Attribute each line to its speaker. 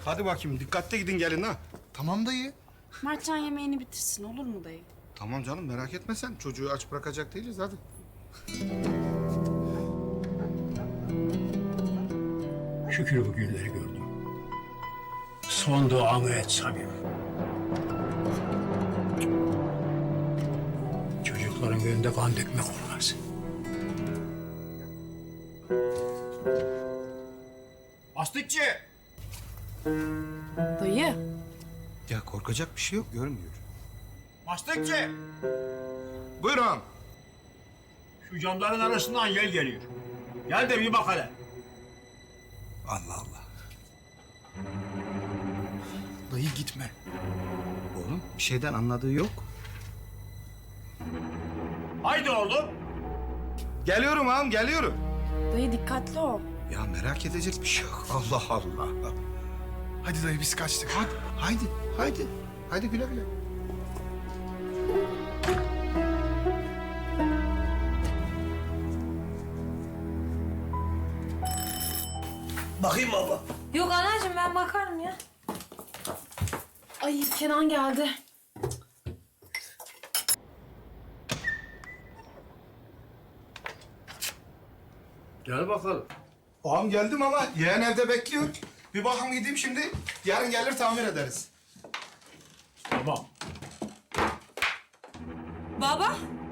Speaker 1: Hadi bakayım dikkatli gidin gelin ha.
Speaker 2: Tamam dayı.
Speaker 3: Mertcan yemeğini bitirsin olur mu dayı?
Speaker 1: Tamam canım merak etme sen. Çocuğu aç bırakacak değiliz hadi.
Speaker 4: Şükür bu günleri gördüm. Son duanı et Samim. Çocukların önünde kan dökmek olmaz.
Speaker 1: Astıkçı!
Speaker 3: Dayı.
Speaker 1: Ya korkacak bir şey yok görmüyor.
Speaker 4: Mastikçi!
Speaker 1: Buyur ağam.
Speaker 4: Şu camların arasından yel geliyor. Gel de bir bak hele.
Speaker 1: Allah Allah.
Speaker 2: Dayı gitme.
Speaker 1: Oğlum bir şeyden anladığı yok.
Speaker 4: Haydi oğlum.
Speaker 1: Geliyorum ağam geliyorum.
Speaker 3: Dayı dikkatli ol.
Speaker 1: Ya merak edecek bir şey yok. Allah Allah.
Speaker 2: Hadi dayı biz kaçtık.
Speaker 1: Haydi, haydi. Haydi güle güle.
Speaker 4: Bakayım baba.
Speaker 3: Yok anacığım ben bakarım ya. Ay Kenan geldi.
Speaker 4: Gel bakalım.
Speaker 1: Ağam geldim ama yeğen evde bekliyor. Bir bakım gideyim şimdi. Yarın gelir tamir ederiz.
Speaker 4: Tamam.
Speaker 3: Baba